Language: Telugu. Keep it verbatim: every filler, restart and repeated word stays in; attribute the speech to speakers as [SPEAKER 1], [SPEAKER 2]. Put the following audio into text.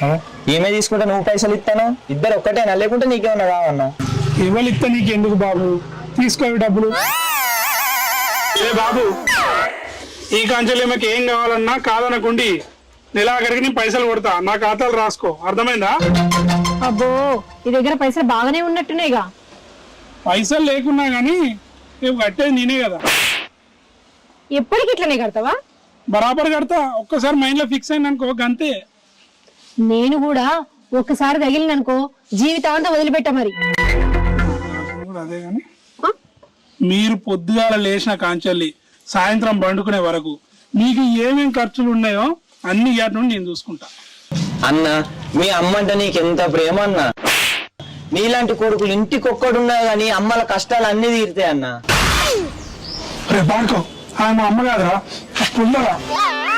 [SPEAKER 1] ఈమె తీసుకుంటే నువ్వు పైసలు ఇస్తాను ఇద్దరు ఒక్కటేనా లేకుంటే నీకేమన్నా కావన్నా
[SPEAKER 2] ఎవరు ఇస్తా నీకెందుకు బాబు తీసుకోవి డబ్బులు ఏ బాబు ఈ కాంచెలు ఈమెకి ఏం కావాలన్నా కాదనకుండి నెలాఖరికి నేను పైసలు కొడతా నా ఖాతాలు రాసుకో అర్థమైందా
[SPEAKER 3] అబ్బో ఈ దగ్గర పైసలు బాగానే ఉన్నట్టునేగా
[SPEAKER 2] పైసలు లేకున్నా గానీ నువ్వు కట్టేది నేనే కదా
[SPEAKER 3] ఎప్పటికి ఇట్లనే కడతావా
[SPEAKER 2] బరాబర్ కడతా ఒక్కసారి మైండ్ లో ఫిక్స్ అయింది అనుకో గంతే
[SPEAKER 3] నేను కూడా ఒక్కసారి తగిలిననుకో జీవితాంతం వదిలిపెట్ట మరి
[SPEAKER 2] అదే గాని మీరు పొద్దుగాల లేచిన కాంచెల్లి సాయంత్రం పండుకునే వరకు మీకు ఏమేం ఖర్చులు ఉన్నాయో అన్ని ఇయ్యాటి నుండి నేను చూసుకుంటా
[SPEAKER 1] అన్న మీ అమ్మ అంటే నీకెంత ప్రేమ అన్న నీలాంటి కొడుకులు ఇంటికొక్కడున్నాయి కానీ అమ్మల కష్టాలు అన్ని తీరుతాయి అన్న
[SPEAKER 2] రే బాడుకో ఆయన మా అమ్మ కాదురా పుల్లరా